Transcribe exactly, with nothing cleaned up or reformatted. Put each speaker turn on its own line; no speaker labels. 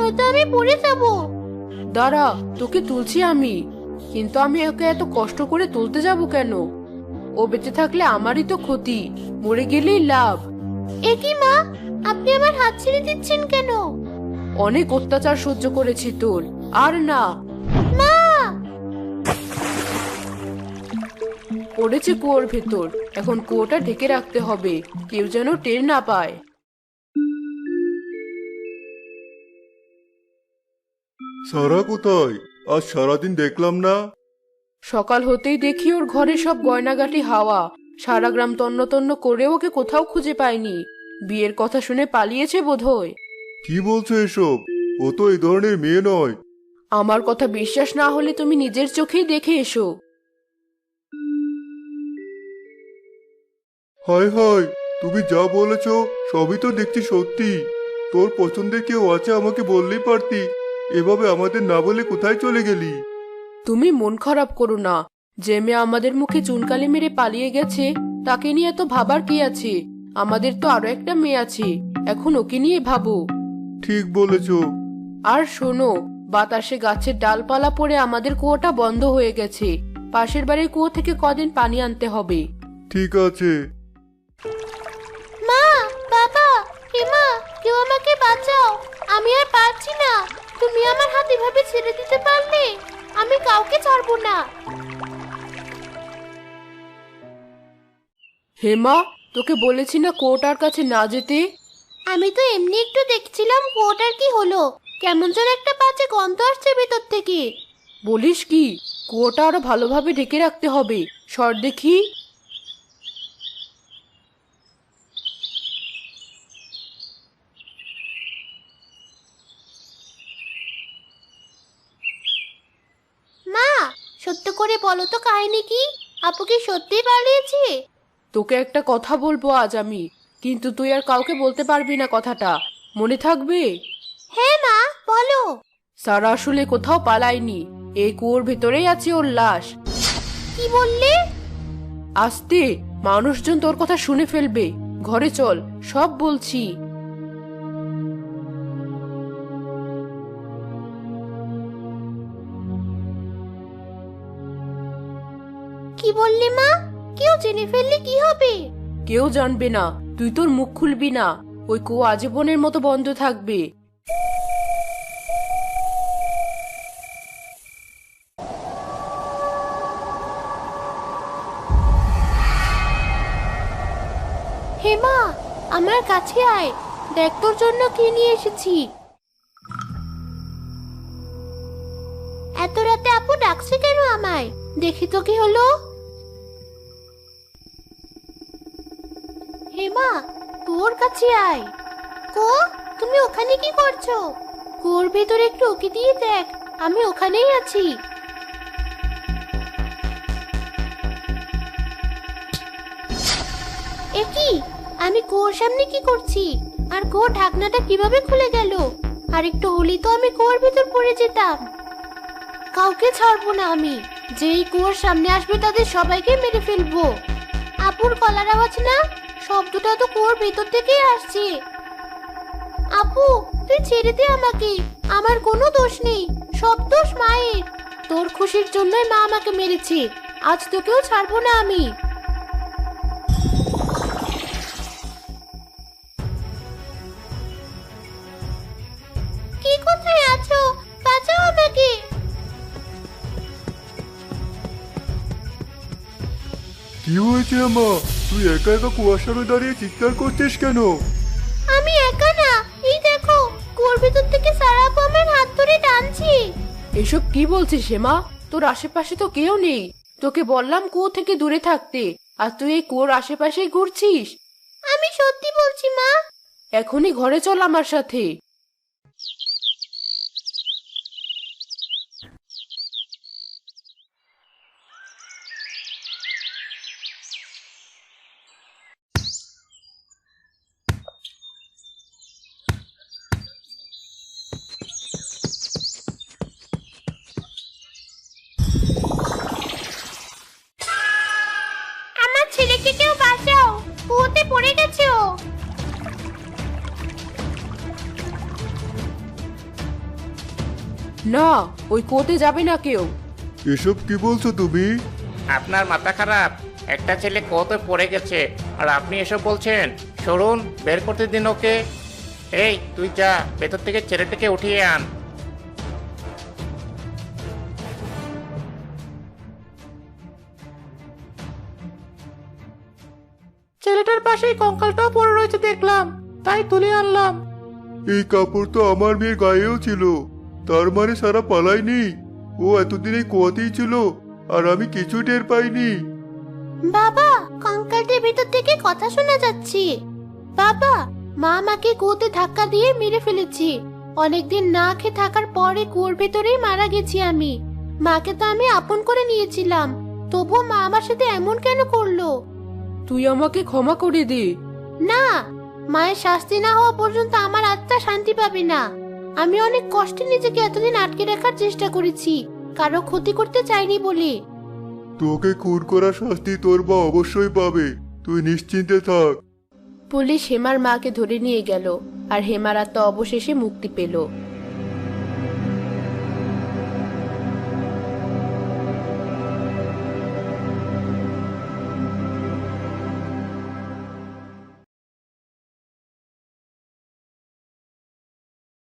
নয়তো আমি পড়ে যাব।
দাঁড়া, তোকে তুলছি আমি। কিন্তু আমি ওকে এত কষ্ট করে তুলতে যাব কেন? ও বেঁচে থাকলে আমারই তো ক্ষতি, মরে গেলেই লাভ।
এ কি মা, আপনি আমার হাত ছেড়ে দিচ্ছেন কেন?
অনেক অত্যাচার সহ্য করেছি তোর, আর না।
মা!
পড়েছে কুয়োর ভেতর, এখন কুয়োটা ঢেকে রাখতে হবে, কেউ যেন টের না পায়।
সারা কোথায়? আজ সারাদিন দেখলাম না।
সকাল হতেই দেখি ওর ঘরে সব গয়নাগাটি হাওয়া। সারা গ্রাম তন্ন তন্ন করেও ওকে কোথাও খুঁজে পায়নি। বিয়ের কথা শুনে পালিয়েছে বোধহয়।
কি বলছো এসব? ও তো এই ধরনের মেয়ে নয়।
আমার কথা বিশ্বাস না হলে তুমি নিজের চোখেই দেখে এসো।
হায় হায়, তুমি যা বলেছ সবই তো দেখছি সত্যি। তোর পছন্দের কেউ আছে আমাকে বললেই পারতি। এভাবে আমাদের না বলে কোথায় চলে গেলি?
তুমি মন খারাপ করো না। যে মেয়ে আমাদের মুখে চুনকালি মেরে পালিয়ে গেছে, তাকে নিয়ে এত ভাবার কি আছে? আমাদের তো আরো একটা মেয়ে আছে, এখন ওকে নিয়ে ভাবো।
ঠিক বলেছ।
আর শোনো, বাতাসে গাছের ডালপালা পড়ে আমাদের কুয়োটা বন্ধ হয়ে গেছে। পাশের বাড়ির কুয়ো থেকে কদিন পানি আনতে হবে।
ঠিক আছে।
মা, বাবা, হিমা, কেউ আমাকে বাঁচাও। আমি আর পারছি না। তুমি আমার হাত এভাবে ছেড়ে দিতে পারলে? আমি কাউকে ছাড়বো না।
হেমা, তোকে বলেছি না কুয়োটার কাছে না যেতে?
আমি তো এমনি একটু দেখছিলাম কুয়োটার কি হলো। কেমন যেন একটা বাজে গন্ধ আসছে ভেতর থেকে।
বলিস কি? কুয়োটা আরো ভালোভাবে ঢেকে রাখতে হবে। সর দেখি।
মা, সত্য করে বলো তো কাহিনী কি? আপু কি সত্যিই পালিয়েছে?
তোকে একটা কথা বলবো আজ আমি, কিন্তু তুই আর কাউকে বলতে পারবি না কথাটা, মনে থাকবে?
হ্যাঁ মা, বলো।
সারা আসলে কোথাও পালায়নি, এই কুয়োর ভেতরেই আছে ওর লাশ।
কি বললে?
আস্তে, মানুষজন তোর কথা শুনে ফেলবে। ঘরে চল, সব বলছি।
কি বললি মা? কেউ জেনে ফেললে কি হবে?
কেউ জানবে না, তুই তোর মুখ খুলবি না। ওই কুয়ো আজীবনের মতো বন্ধ থাকবে।
হেমা, আমার কাছে আয়, দেখ তোর জন্য কি নিয়ে এসেছি। এত রাতে আপু ডাকছে কেন আমায়? দেখি তো কি হলো। হেমা, তোর কাছে আয়। কো, তুমি ওখানে কি করছো? কুয়োর ভেতরে একটু উকি দিয়ে দেখ, আমি ওখানেই আছি। এ কি? আমি কুয়োর সামনে কি করছি? আর কুয়োর ঢাকনাটা কিভাবে খুলে গেল? আর একটু হলেই তো আমি কুয়োর ভেতর পড়ে যেতাম। কাউকে ছাড়বো না আমি। যেই কুয়োর সামনে আসবে তাদের সবাইকে মেরে ফেলবো। আপুর গলার আওয়াজ না? শব্দটা তো কুয়োর ভেতর থেকেই আসছে। আপু, তুই ছেড়ে দে আমাকে। আমার কোনো দোষ নেই, সব দোষ মায়ের। তোর খুশির জন্যই মা আমাকে মেরেছে। আজ তোকেও ছাড়বো না আমি। কে কোথায় আছো? বাঁচাও আমাকে।
কি হয়েছে আমা? তুই একা একা কুয়াশারে দাঁড়িয়ে চিৎকার করছিস কেন?
আমি একা না, এই দেখো কুয়োর ভেতর থেকে সারা আপু আমার হাত ধরে টানছে।
এসব কি বলছিস হেমা? তোর আশেপাশে তো কেউ নেই। তোকে বললাম কুয়ো থেকে দূরে থাকতে, আর তুই এই কুয়োর আশেপাশেই ঘুরছিস।
আমি সত্যি বলছি মা।
এখনই ঘরে চল আমার সাথে।
আমার ছেলেকে কেউ বাঁচাও, কুয়োতে পড়ে গেছে ও।
না, ওই কুয়োতে যাবে না কেউ।
এসব কি বলছো তুমি?
আপনার মাথা খারাপ? একটা ছেলে কত পড়ে গেছে আর আপনি এসব বলছেন? সরুন, বের করতে দিন ওকে। এই তুই যা, ভেতর থেকে ছেলেটাকে উঠিয়ে আন। ছেলেটার পাশেই কঙ্কালটাও পড়ে রয়েছে দেখলাম, তাই তুলে আনলাম।
এই কাপড় তো আমার মেয়ের গায়েও ছিল, তার মানে সারা পালায়নি। ও এতদিন এই কুয়াতেই ছিল আর আমি কিছু টের পাইনি।
বাবা, কঙ্কালটির ভিতর থেকে কথা শোনা যাচ্ছে। বাবা, মা আমাকে কুয়োতে ধাক্কা দিয়ে মেরে ফেলেছি। অনেকদিন না খেয়ে থাকার পরে কুয়োর ভেতরেই মারা গেছি আমি। মাকে তো আমি আপন করে নিয়েছিলাম, তবুও মা আমার সাথে এমন কেন করলো?
তুই আমাকে ক্ষমা করে দে।
না, মায়ের শাস্তি না হওয়া পর্যন্ত আমার আত্মা শান্তি পাবে না। আমি অনেক কষ্টে নিজেকে এতদিন আটকে রাখার চেষ্টা করেছি, কারো ক্ষতি করতে চাইনি বলে।
তোকে খুন করার শাস্তি তোর মা অবশ্যই পাবে, তুই নিশ্চিন্তে থাক।
পুলিশ হেমার মাকে ধরে নিয়ে গেল আর হেমার আত্মা অবশেষে মুক্তি পেল।